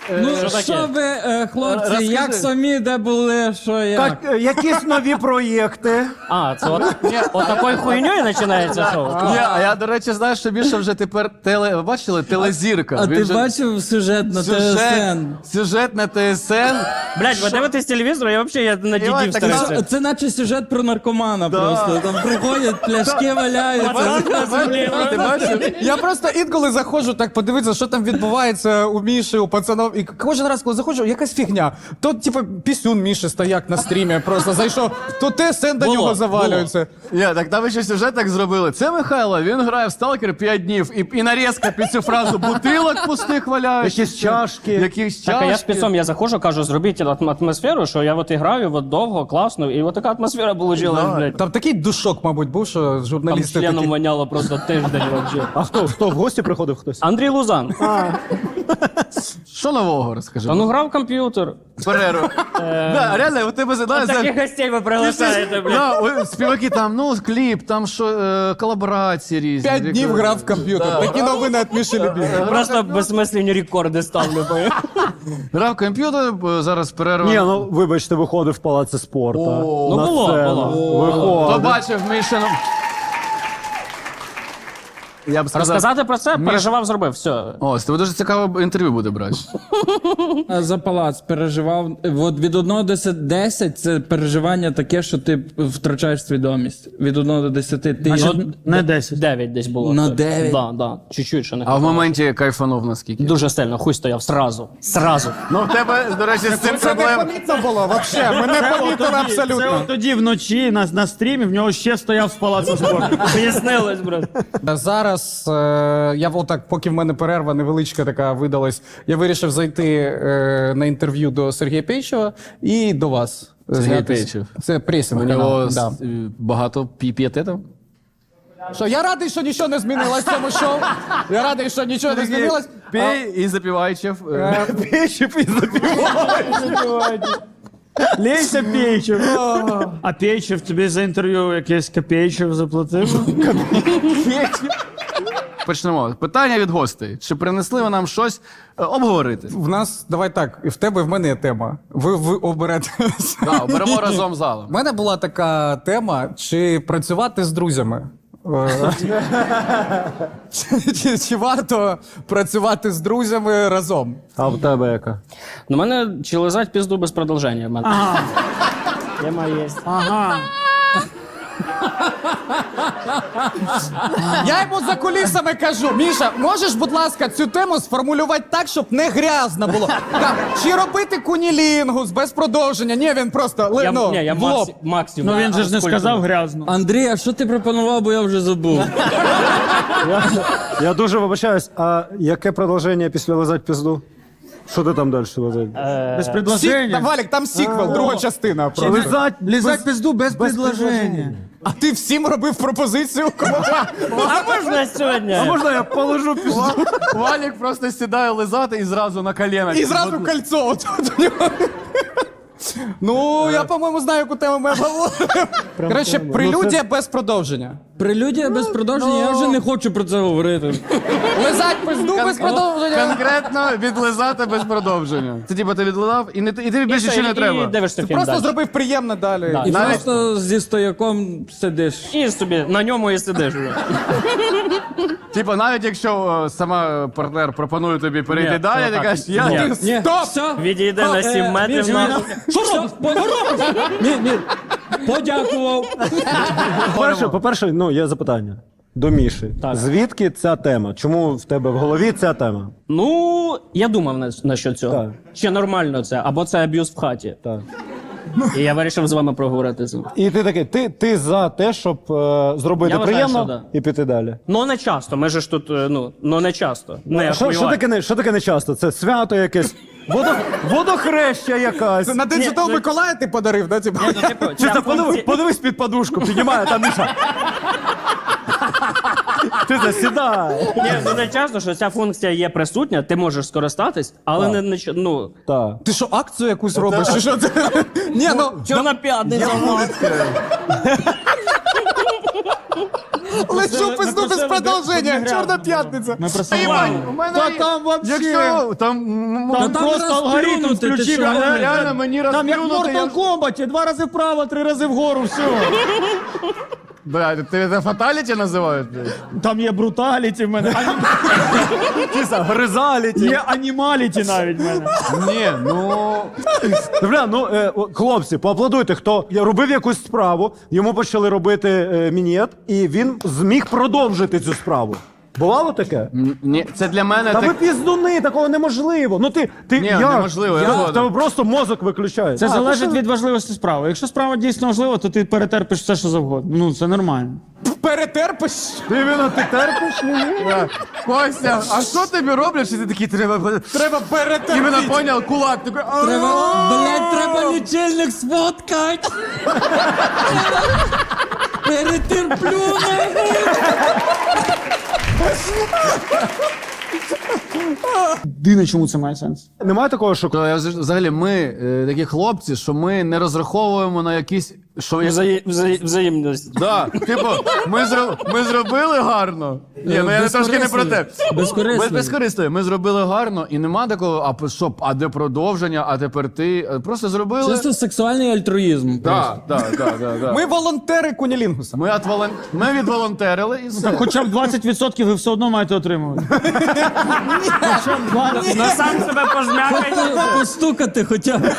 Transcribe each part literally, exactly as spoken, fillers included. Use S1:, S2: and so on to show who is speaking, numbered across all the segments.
S1: Ну,
S2: Що таке?
S1: що ви, е, хлопці,
S2: Розкажи.
S1: як самі, де були, що як?
S3: Як, е, якісь нові проєкти.
S2: А, це от, от такою хуйньою починається шоу?
S4: Ні, а я, до речі, знаю, що більше вже тепер теле... Ви бачили? Телезірка.
S1: А
S4: Він
S1: ти
S4: же-
S1: бачив сюжет на
S4: Сюжет,
S1: ТСН?
S4: сюжет на ТСН.
S2: Блядь, ви дивитесь телевізор, я взагалі я на
S4: Іван,
S2: дідів
S4: так
S2: старався.
S1: Це, це наче сюжет про наркомана просто. Там приходять, пляшки валяються.
S4: Ти бачив?
S3: Я просто інколи заходжу так подивитися, що там відбувається у Міші, у пацанов. І кожен раз, коли заходжу, якась фігня. То, типу, пісюн Міші стояк на стрімі, просто зайшов, то ТСН до
S2: Було,
S3: нього завалюється.
S4: Ні, так там ще сюжет так зробили. Це Михайло, він грає в Сталкер п'ять днів. І, і нарізка під цю фразу бутилок пустих валяються.
S3: Якісь чашки.
S4: Якісь чашки.
S2: Так, а я спецом я заходжу, кажу, зробіть атм- атмосферу, що я от і граю, от довго, класно, і от така атмосфера получилась, блядь.
S3: Там такий душок, мабуть, був, що
S2: Там
S3: журналісти
S2: членом
S3: такі.
S2: воняло просто тиждень вообще.
S5: А хто? Хто в гості приходив хтось?
S2: Андрій Лузан.
S4: Що нового розкажи?
S2: Та ну грав в комп'ютер.
S4: Перерву. Да, реально, у тебе задає...
S2: Таких гостей ви приглашаєте, блядь.
S4: Да, ой, співаки там, ну, кліп, там що, е, колаборації різні.
S3: П'ять днів грав в комп'ютер. Такі новини від Міші Любі.
S2: Просто безсмислені рекорди ставлю. бо-
S4: Грав в комп'ютер, е, зараз перерва.
S5: Ні, ну вибачте, виходив в палаці спорту.
S2: Ну,
S5: на
S2: було,
S5: сцену.
S2: було.
S4: Хто
S5: Виходив.
S4: бачив Мішину? Я б сказав...
S2: Розказати про це, переживав, зробив, все.
S4: О, з тебе дуже цікаве інтерв'ю буде брати.
S1: А За палац переживав. От від одного до десяти це переживання таке, що ти втрачаєш свідомість. Від одного до десяти ти
S5: Не десять.
S2: Дев'ять десь було.
S1: На дев'ять?
S2: Да, да. Чуть-чуть ще не
S4: А в
S2: хватало.
S4: моменті кайфанув наскільки?
S2: Дуже сильно, хуй стояв, сразу. Сразу.
S4: Ну, в тебе, до речі, з цим
S3: Це не
S4: проблем.
S3: помітно було, взагалі. Ми не помітили
S6: Це
S3: абсолютно.
S6: от тоді вночі на, на стрімі в нього ще стояв з палацу спорту.
S2: Пояснилось, брат.
S3: Зараз е, я отак, поки в мене перерва невеличка така видалась, я вирішив зайти е, на інтерв'ю до Сергія Пейчева і до вас.
S4: Сергій
S3: знятись.
S4: Пейчев.
S3: Це пресінг
S4: У
S3: канал.
S4: нього
S3: Да.
S4: с- е, багато піпієтетів.
S3: Що, я радий, що нічого не змінилось в цьому шоу. Я радий, що нічого не змінилось.
S4: Пій і запівайчев.
S3: Пейчев і
S6: Лейся Пейчев. А Пейчев тобі за інтерв'ю якесь Копейчев заплатив?
S4: Почнемо. Питання від гостей. Чи принесли ви нам щось е, обговорити?
S3: В нас, давай так, і в тебе, і в мене є тема. Ви, ви оберете.
S4: Так, беремо разом залом.
S3: У мене була така тема, чи працювати з друзями. Е, чи, чи, чи варто працювати з друзями разом?
S5: А в тебе яка?
S2: Ну, мене чи лизать пізду без продовження. в мене. Тема є.
S6: Ага.
S3: Я йому за кулісами кажу: Міша, можеш, будь ласка, цю тему сформулювати так, щоб не грязно було. Там, чи робити кунілінгус без продовження? Ні, він просто ли-
S2: Я,
S3: ну,
S2: ні, я
S3: в лоб.
S2: максі, максимум.
S6: Ну він же ж не
S2: Скільки
S6: сказав
S2: тут?
S6: грязно.
S1: Андрій, а що ти пропонував, бо я вже забув.
S5: Я, я дуже вибачаюсь, а яке продовження після лизать пізду? Що ти там далі лизать?
S6: Без
S3: Сік,
S6: предложення.
S3: там, Валік, там сіквел, друга частина. просто.
S5: Лизать,
S6: Лізать пизду без предложення.
S3: А ти всім робив пропозицію?
S2: А можна сьогодні?
S5: можна я положу пізду?
S4: Валік просто сідає лизати і зразу на коліна.
S3: І зразу кольцо. От, от у нього. Ну, я, по-моєму, знаю, яку тему ми обговоримо. Коротше, прелюдія без продовження.
S1: Прелюдія без продовження, я вже не хочу про це говорити.
S3: Лизать пизду без продовження.
S4: Конкретно відлизати без продовження. Це типу ти відлизав і, не, і тобі більше нічого не
S2: І
S4: треба.
S2: дивишся фільм
S3: Просто
S2: далі.
S3: зробив приємно далі.
S2: Да.
S1: І
S4: Навіть-
S1: просто зі стояком сидиш.
S2: І собі на ньому і сидиш вже.
S4: Типу, навіть якщо е, сама партнер пропонує тобі перейти
S2: Ні,
S4: далі,
S2: це
S4: ти
S2: так.
S4: кажеш, я
S2: Ні.
S4: ти-
S1: Ні,
S3: Стоп!
S1: все.
S2: Відійде на сім
S1: Е,
S2: метрів.
S1: Міша,
S2: на-
S1: Міша, Що робиш? Ні, ні. Подякував.
S5: По-перше, по-перше, ну, є запитання до Міші.
S2: Так.
S5: Звідки ця тема? Чому в тебе в голові ця тема?
S2: Ну, я думав на, на що цього.
S5: Так.
S2: Чи нормально це, або це аб'юз в хаті.
S5: Так.
S2: І я вирішив з вами проговорити це.
S5: І ти такий, ти, ти за те, щоб е, зробити
S2: Я вважаю,
S5: приємно
S2: що да.
S5: і піти далі.
S2: Ну не часто. Ми же ж тут, е, ну, ну не часто. Не
S5: Що, що,
S2: охуєвай.
S5: таке не, що таке не часто? Це свято якесь, водо, водохреща якась.
S3: Це на День
S2: Ні,
S3: Святого
S2: ну-
S3: Миколая ти подарив, да? Типу?
S2: Ну, типу,
S5: Чи
S2: ця
S5: це подивись,
S2: функція-
S5: подивись під подушку, піднімає там Міша. Ти це сідай.
S2: Ні, ну не часто, що ця функція є присутня, ти можеш скористатись, але не, не ч- ну,
S5: Так.
S3: Ти що, акцію якусь робиш? Чи що це? Ні, ну,
S2: чорна п'ятниця.
S3: Лечу пизду без продовження,
S6: щоб не
S3: чорна
S6: грязно
S3: п'ятниця.
S6: Ми просили.
S4: Іван, у мене
S6: Та
S4: є-
S6: там вообще...
S4: Якщо там, м,
S6: Там,
S1: Та там
S6: просто алгоритм
S1: розплюнути, ти
S6: включив.
S1: що?
S6: реально,
S4: реально мені
S6: Там як в
S4: розплюнути, я-
S6: Mortal Kombat, два рази вправо, три рази вгору, все.
S4: Бля, ти це фаталіті називаєш? блядь?
S6: Там є бруталіті в мене,
S5: Гризаліті.
S6: є анімаліті навіть в мене.
S4: Ні, ну...
S5: Бля, ну е, о, хлопці, поаплодуйте, хто робив якусь справу, йому почали робити е, мінет, і він зміг продовжити цю справу. Бувало таке?
S4: Ні, це для мене
S5: Та ви
S4: так...
S5: піздуни, такого неможливо. Ну ти, ти
S4: Ні,
S5: як?
S4: неможливо, я
S5: Як?
S4: згоден.
S5: В тебе просто мозок виключається.
S6: Це
S5: А,
S6: залежить
S5: то що?
S6: від важливості справи. Якщо справа дійсно важлива, то ти перетерпиш все, що завгодно. Ну, це нормально.
S3: Перетерпиш?
S5: Ти іменно ти терпиш мені?
S4: Да. Костя, а що тобі роблять, що ти такий треба...
S3: Треба перетерпіти.
S4: Іменно поняв, кулак такий... «А-а-а».
S1: Треба, блядь, треба лічильник сфоткати. Перетерплю, нахуй.
S6: Дивно, чому це має сенс.
S5: Немає такого, що
S4: То я вз- взагалі ми е, такі хлопці, що ми не розраховуємо на якісь. Що я...
S2: Взаї- взаї- Взаємність.
S4: Да, типу, ми, зро... ми зробили гарно. Ні, ну я не трошки не про те.
S1: Безкорисливо.
S4: Без- Безкористо. Ми зробили гарно, і нема такого, а по- що, а де продовження, а тепер ти. Е, Просто зробили.
S1: Чисто сексуальний альтруїзм. просто.
S4: Так, так, так, так, так.
S3: Ми волонтери Кунілінгуса.
S4: Ми, от волон... ми відволонтерили і все.
S6: Так хоча б двадцять відсотків ви все одно маєте отримувати. Хоча б двадцять.
S2: Ну сам себе пожмякай.
S1: По- Постукати хоча б.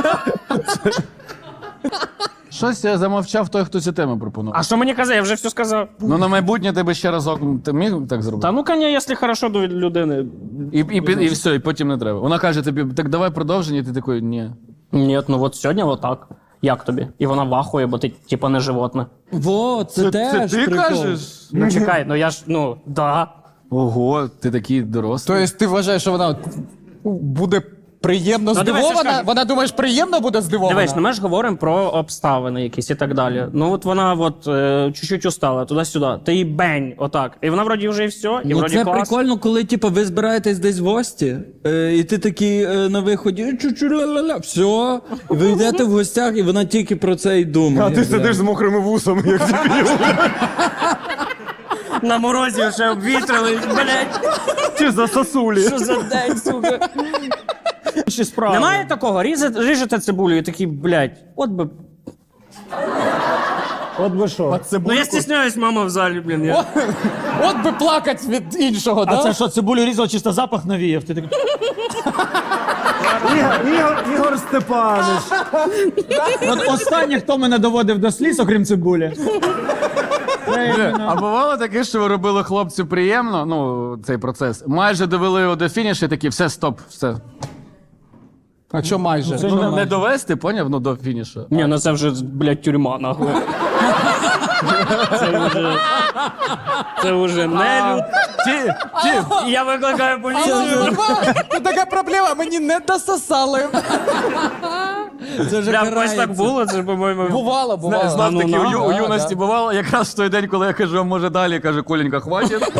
S4: Щось я замовчав той, хто цю тему пропонував.
S2: А що мені казав? Я вже все сказав.
S4: Ну на майбутнє тебе ще разок. Ти міг так зробити?
S2: Та ну коня, якщо хорошо до людини.
S4: І, і, і, і все, і потім не треба. Вона каже тобі, так давай продовження, і ти такий, ні.
S2: Ні, ну от сьогодні отак. Як тобі? І вона вахує, бо ти типа не животне.
S1: Во, це, теж
S4: ти
S1: прикол.
S4: кажеш?
S2: Ну чекай, ну я ж, ну, да.
S4: Ого, ти такий дорослий.
S3: Тобто ти вважаєш, що вона буде приємно
S2: Ну, дивись, я ж
S3: здивована?
S2: кажу.
S3: Вона думаєш, приємно буде здивована?
S2: Дивись, ну ми ж говоримо про обставини якісь і так далі. Ну от вона от е, чуть-чуть устала, туди-сюди. Ти їй бень, отак. І вона вроді вже і все, і
S1: Ну,
S2: вроді
S1: це
S2: клас.
S1: прикольно, коли типу, ви збираєтесь десь в гості, е, і ти такий е, на виході, чу-чу, ля-ля-ля, все, і ви йдете в гостях, і вона тільки про це й думає.
S5: а ти сидиш з мокрими вусами, як дебіл.
S2: На морозі вже обвітрили, блядь,
S5: Чи за сосулі.
S2: що за день, сука.
S6: Інші справи.
S2: Немає такого, різати, ріжете цибулю і такий, блядь, от би.
S5: От би що.
S2: Ну я стісняюсь, мама в залі, блін. Я...
S3: От би плакать від іншого,
S6: А
S3: да?
S6: це що, цибулю різав, чисто запах навіяв? Ти такий...
S5: Ігор, Ігор, Ігор Степанович.
S6: От останнє, хто мене доводив до сліз, окрім цибулі. Це іменно.
S4: А бувало таке, що ви робили хлопцю приємно, ну, цей процес. Майже довели його до фінішу і такі, все, стоп, все.
S3: А що майже?
S6: Це
S4: Ну, не,
S6: нормально.
S4: не довести, поняв, ну до фінішу.
S2: Ні, ну це вже, блядь, тюрма, нахуй. Це вже... Це вже не люд.
S4: Ті, ті.
S2: Я викликаю поліцію.
S3: Тут така проблема, мені не дососали.
S1: Це вже
S2: Прям ось
S1: карається.
S2: так було, це ж, по-моєму...
S3: Бувало, бувало.
S4: Знов
S2: ну,
S4: таки,
S2: на,
S4: у, ю- у
S3: да,
S4: юності
S3: да.
S4: бувало, якраз в той день, коли я кажу, а може далі, каже, Коленька, хватить.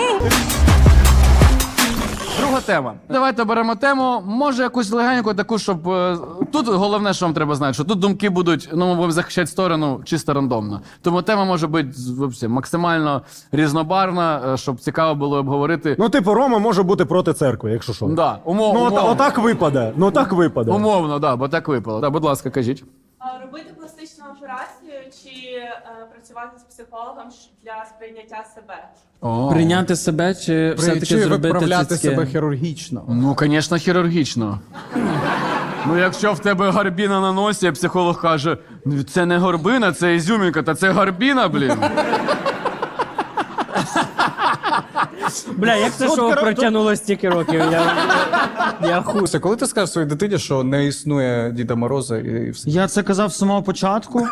S4: Друга тема. Давайте беремо тему, може якусь легеньку таку, щоб... е, Тут головне, що вам треба знати, що тут думки будуть, ну, ми будемо захищати сторону чисто рандомно. Тому тема може бути вообще, максимально різнобарвна, е, щоб цікаво було обговорити.
S5: Ну, типу, Рома може бути проти церкви, якщо що.
S4: Да, умов,
S5: Ну, от,
S4: умовно.
S5: отак випаде. Ну, так випаде.
S4: Умовно, да, бо так випало. Да, будь ласка, кажіть.
S7: А робити пластичну операцію чи е, працювати з психологом щ- для сприйняття себе?
S1: Прийняти себе чи все-таки
S3: Чи
S1: зробити
S3: виправляти
S1: цицьки?
S3: себе хірургічно?
S4: Ну, звісно, хірургічно. Ну, якщо в тебе гарбіна на носі, а психолог каже, «Ну, це не горбина, це ізюмінка, та це гарбіна, блін.
S2: Бля, як це шоу протягнуло стільки років? Я, я хуй.
S3: Слухай, коли ти скажеш своїй дитині, що не існує Діда Мороза і все?
S6: Я це казав з самого початку.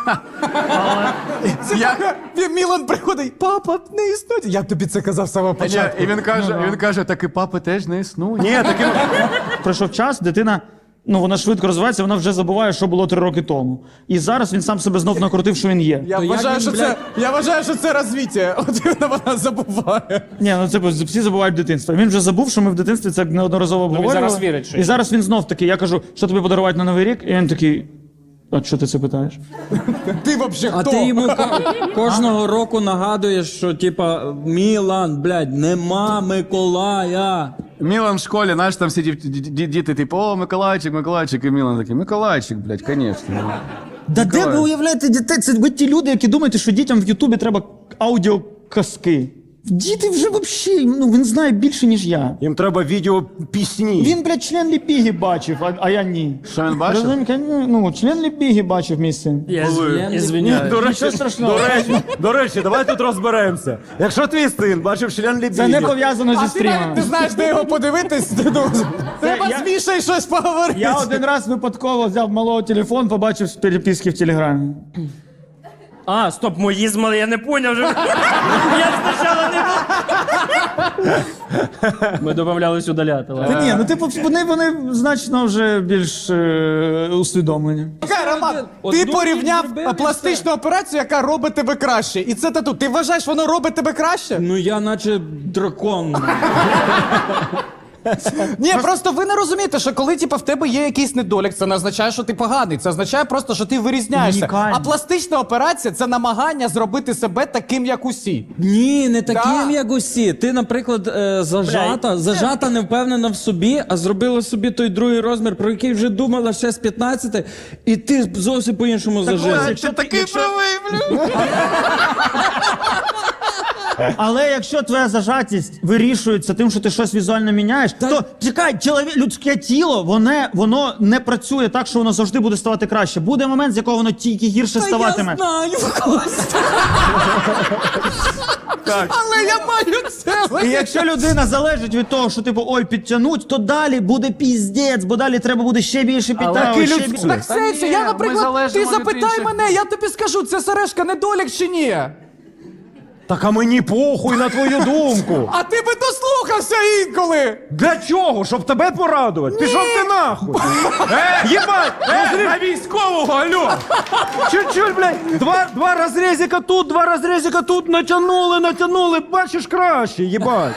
S4: Я...
S3: Мілан приходить, папа, не існує. Я тобі це казав з самого
S4: Ні,
S3: початку.
S4: і він каже, він каже, так і папи теж не існує.
S5: Ні, таким...
S6: Пройшов час, дитина, ну вона швидко розвивається, вона вже забуває, що було три роки тому. І зараз він сам себе знов накрутив, що він є.
S3: Я
S1: То як
S3: вважаю,
S1: він,
S3: що це, я вважаю, що це розвиття. От вона забуває.
S6: Ні, ну це всі забувають дитинство. Він вже забув, що ми в дитинстві це неодноразово обговорювали.
S2: зараз вірить, що
S6: І зараз він знов такий, я кажу, що тобі подарувати на Новий рік? І він такий, А що ти це питаєш?
S3: Ти взагалі
S1: А
S3: хто?
S1: ти йому ко- кожного року нагадуєш, що типа Мілан, блядь, нема Миколая.
S4: Мілан в школі, знаєш, там всі дів- ді- ді- діти, типу, о, Миколайчик, Миколайчик, і Мілан такий, Миколайчик, блядь, звісно.
S6: Да де ви уявляєте дітей? Це ви ті люди, які думаєте, що дітям в Ютубі треба аудіоказки. Діти вже взагалі, ну він знає більше, ніж я.
S5: Їм треба відео пісні.
S6: Він, блядь, член Ліпіги бачив, а, а я ні.
S4: Що він бачив?
S6: Розумієте, ну, член Ліпіги бачив мій син.
S2: Я
S1: Член-
S2: ізвиняюсь.
S5: До речі,
S6: Нічого страшного.
S5: До речі, до речі, давай тут розберемося. Якщо твій син бачив член Лібіги...
S6: Це не пов'язано зі
S3: А ти навіть
S6: стрімом.
S3: не знаєш, де його подивитись? Ну, Треба
S6: я-
S3: з Мішею щось поговорити.
S6: Я один раз випадково взяв малого телефон, побачив переписки в Телеграмі.
S2: А, стоп, мої змали, я не поняв вже. Я спочатку не був. Ми домовлялись удаляти. ладно.
S6: Та ні, ну типу, вони, вони значно вже більш е, усвідомлені.
S3: Чекай, Роман,
S1: От
S3: ти
S1: думай,
S3: порівняв
S1: зробив
S3: е,
S1: і
S3: пластичну операцію, яка робить тебе краще. І це тату. Ти вважаєш, воно робить тебе краще?
S1: Ну я наче дракон.
S3: Ні, просто ви не розумієте, що коли типу, в тебе є якийсь недолік, це не означає, що ти поганий. Це означає просто, що ти вирізняєшся.
S6: Унікальний.
S3: А пластична операція це намагання зробити себе таким, як усі.
S1: Ні, не таким,
S3: Да.
S1: як усі. Ти, наприклад, е, зажата, зажата, не впевнена в собі, а зробила собі той другий розмір, про який вже думала ще з п'ятнадцяти, і ти зовсім по-іншому зажила.
S4: Ти такий правий, блядь.
S6: Але якщо твоя зажатість вирішується тим, що ти щось візуально міняєш, то чекай, чолові... людське тіло, воно, воно не працює так, що воно завжди буде ставати краще. Буде момент, з якого воно тільки гірше ставатиме.
S1: Я знаю, Костя.
S3: Але я маю це.
S6: І якщо людина залежить від того, що типу ой, підтягнуть, то далі буде піздець, бо далі треба буде ще більше підтягувати. Ще більше.
S3: Так сенсі,
S4: ні,
S3: я,
S4: ми
S3: наприклад,
S4: залежимо
S3: ти
S4: від
S3: запитай
S4: інших.
S3: мене, я тобі скажу, це сережка недолік чи ні?
S5: Так а мені похуй на твою думку.
S3: А ти би дослухався інколи!
S5: Для чого? Щоб тебе порадувати? Пішов ти нахуй. Е, Єбать! Е, на військового, алло! Чуть-чуть, блядь, два, два розрізика тут, два розрізика тут, натягнули, натягнули, бачиш краще, єбать.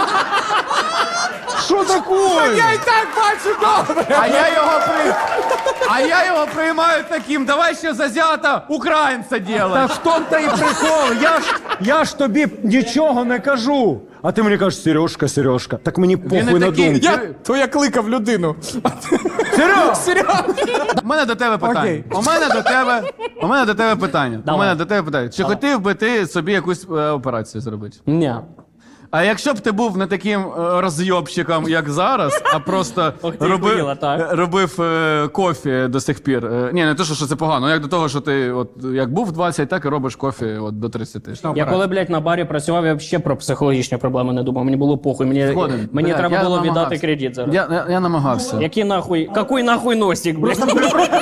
S5: Що таке?
S3: Я і так бачу добре!
S4: А я його при... А я його приймаю таким, давай ще зазята українця
S5: Та
S4: ділай.
S5: в тому та і прикол. Я ж, я ж тобі нічого не кажу. А ти мені кажеш, Сережка, Сережка. Так мені похуй
S4: не
S5: на
S4: такий.
S5: думку.
S3: Я, то я кликав людину.
S5: Серега!
S3: Серйозно?
S4: У мене до тебе питання.
S3: Окей.
S4: У мене до тебе. У мене до тебе питання. У
S2: Давай.
S4: мене до тебе питання. Чи хотів би ти собі якусь е, операцію зробити?
S2: Ні.
S4: А якщо б ти був не таким е, розйобщиком, як зараз, а просто
S2: Ох ти,
S4: робив,
S2: хуїла, так.
S4: е, робив е, кофі до сих пір. Е, ні, не те, що, що це погано, як до того, що ти от як був в двадцять, так і робиш кофі от до тридцяти.
S2: Я коли, блядь, на барі працював, я взагалі про психологічні проблеми не думав. Мені було похуй. Мені,
S4: Згоден.
S2: мені
S4: Блядь,
S2: треба
S4: я
S2: було
S4: намагався.
S2: віддати кредит зараз.
S4: Я, я, я намагався.
S2: Який нахуй, какой нахуй носик, блядь?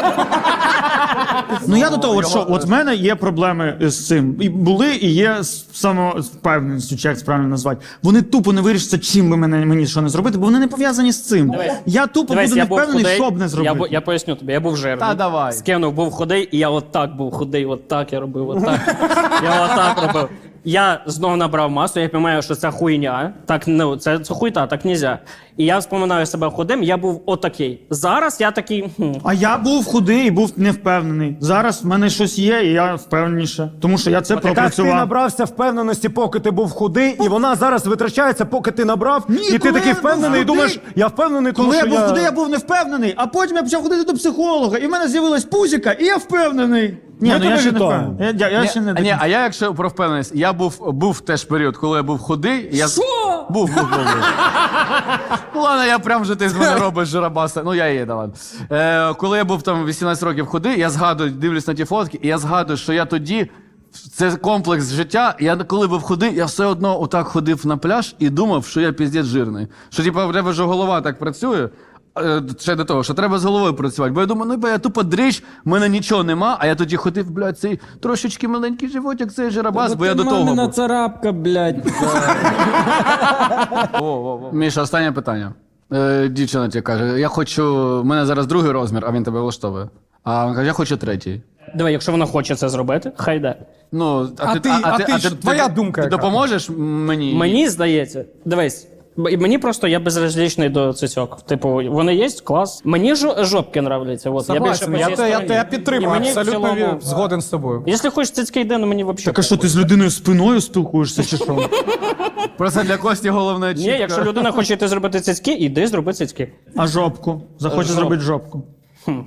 S6: Ну я до того, от що от в мене є проблеми з цим. І були, і є з самовпевненістю, чи як це правильно назвати. Вони тупо не вирішаться, чим би мене мені що не зробити, бо вони не пов'язані з цим. Я тупо
S2: Дивись,
S6: буду
S2: я
S6: не
S2: був
S6: впевнений,
S2: худий,
S6: що б не
S2: я,
S6: зробити.
S2: бу- я поясню тобі, я був жирний.
S4: Та давай.
S2: Скинув, був худий, і я отак був худий, отак я робив, отак. Я отак робив. Я знову набрав масу, я розумію, що це хуйня. Так, ну, це, це хуйта, так нельзя. І я вспоминаю себе худим, я був отакий. Зараз я такий. Хм.
S6: А я був худий і був невпевнений. Зараз в мене щось є, і я впевненіше. Тому що я це
S5: Так ти
S6: пропрацював.
S5: набрався впевненості, поки ти був худий, і вона зараз витрачається, поки ти набрав,
S6: Ні,
S5: і ти
S6: коли
S5: такий
S6: я був
S5: впевнений, і
S6: худий-
S5: думаєш, я впевнений, тому
S6: Коли я
S5: що
S6: був
S5: я...
S6: худий, я був невпевнений, а потім я почав ходити до психолога, і в мене з'явилась пузіка, і я впевнений. Ні,
S5: Ми
S6: ну я
S5: тебе
S6: ще не
S5: вітаємо.
S6: впевнений. Я, я, я
S4: Ні,
S6: ще не
S4: а, ні, а я, якщо про впевненість, я був, був теж період, коли я був худий. і Я...
S1: Що?
S4: Був, був, був. був. Ну ладно, я прям вже ти з мене робиш жиробаса. Ну я є, да ладно. Е, коли я був там вісімнадцять років худий, я згадую, дивлюсь на ті фотки, і я згадую, що я тоді. Це комплекс життя. Я коли був худий, я все одно отак ходив на пляж і думав, що я піздець жирний. Що типу, в тебе ж голова так працює. е, Ще до того, що треба з головою працювати. Бо я думаю, ну бо я тупо дрищ, в мене нічого нема, а я тоді ходив, блядь, цей трошечки маленький животик, цей жиробас, бо я до того
S1: мамина
S4: був.
S1: царапка, блядь.
S4: Міша, останнє питання. Е, дівчина тебе каже, я хочу, в мене зараз другий розмір, а він тебе влаштовує. А він каже, я хочу третій.
S2: Диви, якщо вона хоче це зробити, хай йде.
S4: Ну,
S3: А ти- а ти ж- твоя думка
S4: Ти
S3: яка?
S4: допоможеш мені?
S2: Мені здається, дивись, Б- І мені просто я безразлічний до цицьок. Типу, вони є, клас. Мені жо- жопки нравляться. От. Я більше
S3: Согласен,
S2: по
S3: я,
S2: цій
S3: те- я,
S2: стороні.
S3: те- я
S2: І
S3: підтримую,
S2: мені в
S3: абсолютно
S2: цілому-
S3: ві- згоден з тобою.
S2: Якщо хочеш цицьки, йди, ну мені взагалі.
S6: Так а що, ти з людиною спиною спілкуєшся чи що?
S4: Просто для Кості головне
S2: Ні,
S4: чітко.
S2: якщо людина хоче йти зробити цицьки, іди зроби цицьки.
S6: А жопку? Захоче
S2: Жоп.
S6: зробити жопку.
S2: Ні,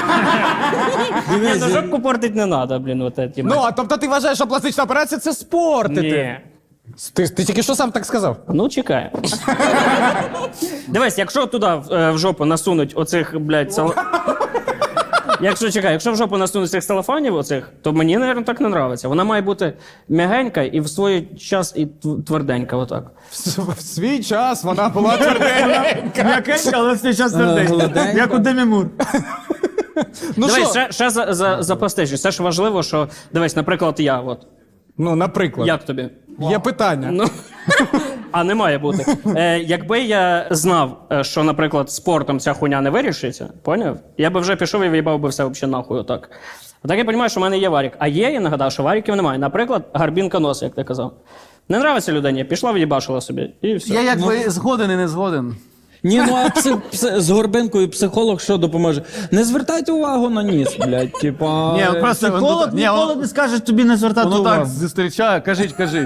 S2: ну жопку портить не треба, блін, от ці.
S3: Ну, а тобто ти вважаєш, що пластична операція це спортити?
S2: Ні.
S3: Ти, ти тільки що сам так сказав?
S2: Ну, чекай. Дивись, якщо туди е, в жопу насунуть оцих, блядь, сал... Якщо чекай, якщо в жопу насунуть цих салафанів оцих, то мені, мабуть, так не подобається. Вона має бути м'ягенька і в свій час і тв- тверденька, отак.
S3: В, в свій час вона була тверденька.
S6: М'якенька, але все час
S1: гладенька.
S6: Як у Демі Мур.
S3: Ну
S2: Дивись,
S3: що?
S2: ще, ще за, за, за пластичність. Це ж важливо, що, дивись, наприклад, я, от.
S3: Ну, наприклад.
S2: Як тобі?
S3: Є питання.
S2: Ну, а не має бути. Е, якби я знав, е, що, наприклад, спортом ця хуйня не вирішиться, поняв? Я би вже пішов і в'їбав би все взагалі нахуй отак. Отак я розумію, що в мене є варік. А є, я нагадав, що варіків немає. Наприклад, гарбінка носа, як ти казав. Не нравиться людині, пішла в'їбашила собі, і все.
S4: Я якби згоден і не згоден.
S1: Ні, ну а пси, пси, з горбинкою психолог що допоможе? Не звертайте увагу на ніс, блядь. Типа.
S4: Ні, просто
S6: Психолог
S4: ні,
S6: ніколи
S4: воно-
S6: не скаже тобі не звертати
S4: Воно так
S6: увагу.
S4: зустрічає, кажіть, кажіть.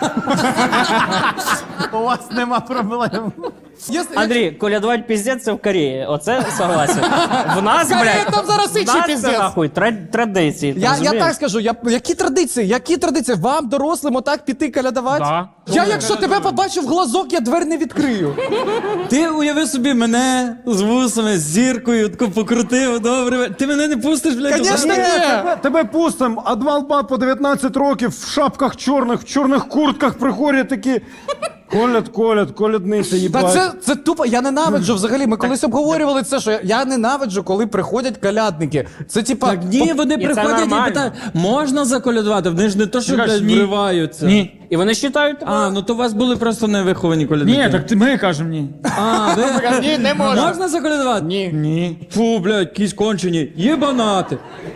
S4: У вас нема проблем.
S3: Якщо-
S2: Андрій, колядувати піздець це в Кореї. Оце согласен. В нас,
S3: Корея,
S2: блядь,
S3: там зараз
S2: в
S3: інший
S2: нас
S3: піздець.
S2: це нахуй тра- традиції. ти
S3: Я, я
S2: розумієш?
S3: так скажу, я, які традиції? Які традиції? Вам, дорослим, отак піти калядувати?
S5: Да.
S3: Я, якщо тебе побачу в глазок, я двері не відкрию.
S1: Ти уяви собі мене з вусами, з зіркою, тако покрутив, добре. Ти мене не пустиш, блядь.
S3: Конечно,
S1: отак?
S3: ні.
S5: Тебе, тебе пустим, а два лба по дев'ятнадцять років в шапках чорних, в чорних куртках приходять такі. Колят, колят, колядниця,
S3: Та
S5: їбать.
S3: це, це тупо, я ненавиджу взагалі. Ми колись обговорювали це, що я, я ненавиджу, коли приходять колядники. Це типа.
S1: Так ні, вони
S2: І це
S1: приходять і
S2: нормально.
S1: питають, можна заколядувати? Вони ж не то, що
S6: Ти кажеш,
S1: блядь,
S6: ні.
S1: вриваються.
S6: Ні.
S2: І вони вважають,
S1: А, ну то у вас були просто невиховані колядники.
S6: Ні, так ти ми кажемо ні.
S1: А, ви...
S3: Ні, не можна.
S1: Можна заколядувати?
S3: Ні.
S6: Ні.
S1: Фу, блядь, якісь кончені. Єбанати.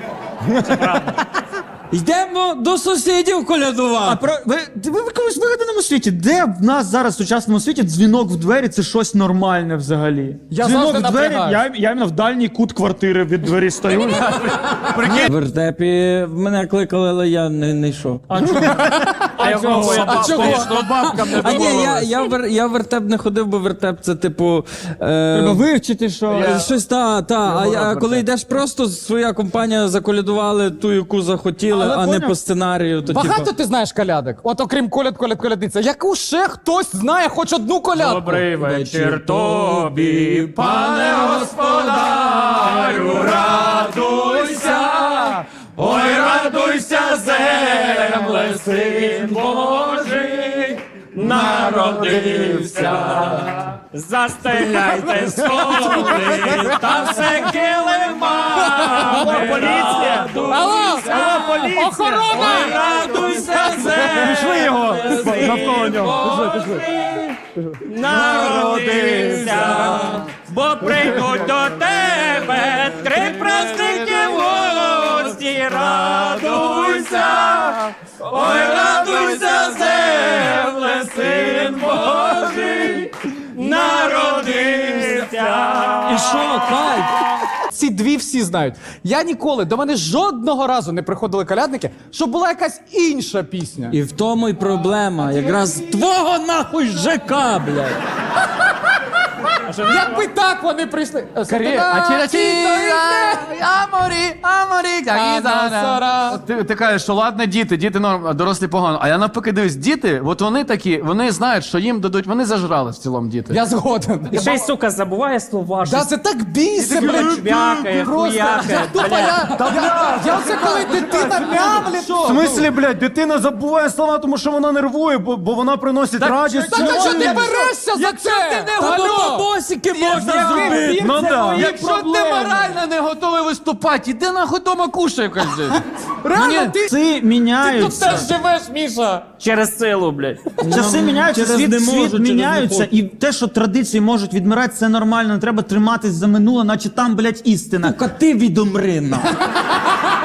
S1: Йдемо до сусідів
S6: А
S1: колядувати.
S6: про ви, ви в якомусь вигаданому світі? Де в нас зараз в сучасному світі дзвінок в двері це щось нормальне взагалі?
S3: Я
S6: дзвінок
S3: завжди
S6: в двері,
S3: напрягаюсь.
S6: я, я іменно в дальній кут квартири від двері стою.
S1: В вертепі мене кликали, але я не, не йшов.
S2: а якого я
S3: А
S2: тут
S3: чого?
S1: А ні, я, я, в, вер- я в вертеп не ходив, бо вертеп це типу. Е,
S6: Треба вивчити, що.
S1: е, Щось та, та. А, я, коли йдеш просто, своя компанія заколядували ту, яку захотіли,
S6: Але
S1: а не
S6: поняв.
S1: по сценарію. То,
S3: Багато
S1: типу,
S3: ти знаєш колядок? От окрім коляд, коляд, колядниця. Яку ще хтось знає хоч одну колядку?
S2: Добрий вечір тобі, пане господарю, радуйся, ой, радуйся, земле, син Божий, народився. Застеляйте столи, та все килимами. Поліція!
S3: Алло, алло, охорона!
S2: Ой, радуйся, земле,
S5: Пішли його навколо нього. Пішли, пішли.
S2: народився, бо прийдуть до тебе три праздники в гості. Радуйся, ой, радуйся, земле, син Божий, народився.
S1: І що, кайф?
S3: Ці дві всі знають. Я ніколи, до мене жодного разу не приходили колядники, щоб була якась інша пісня.
S1: І в тому й проблема. Якраз твого нахуй ЖК, блядь.
S3: Якби так вони прийшли.
S4: Аморі, аморі, Ти, ти кажеш, що ладно, діти, діти норм, а дорослі погано. А я навпаки дивлюсь, діти, от вони такі, вони знають, що їм дадуть, вони зажрали в цілому діти.
S3: Я згоден.
S2: І ще й, сука, забуває слова.
S3: Да, це так бійся, блядь.
S2: Чвякає,
S3: Просто,
S2: хуякає,
S3: я тупо, я, я, я оце коли дитина мямлі,
S5: В смислі, блядь, дитина забуває слова, тому що вона нервує, бо, бо вона приносить радість.
S3: Та ти що ти берешся за це? Алло!
S1: Босики можна зробити.
S5: Ну да.
S4: Якщо ти морально не готовий виступати, іди нахуй дома кушай, кажи.
S3: Реально, ти,
S6: Часи
S3: тут
S6: міняються.
S3: теж живеш, Міша.
S2: Через силу, блядь.
S6: Часи міняються,
S1: через
S6: світ,
S1: не можу,
S6: світ
S1: через не
S6: міняються,
S1: хочу.
S6: і те, що традиції можуть відмирати, це нормально. Не треба триматись за минуле, наче там, блядь, істина.
S1: Сука, ти відомри, нахуй.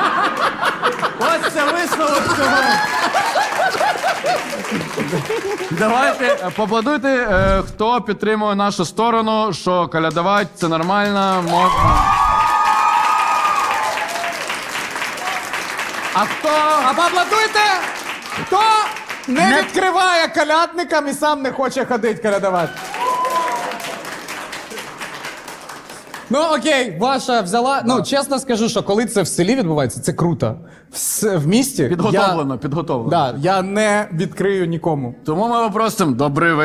S4: Ось це висновок цього. Давайте е, поаплодуйте, е, хто підтримує нашу сторону, що колядувати це нормально, можна. А хто?
S3: А поаплодуйте, хто не відкриває колядникам і сам не хоче ходити колядувати. Ну окей, ваша взяла. Ну, чесно скажу, що коли це в селі відбувається, це круто. В, с- в місті
S4: Підготовлено, підготовлено.
S3: Я, да, я не відкрию нікому.
S4: Тому ми попросимо добрий вечір.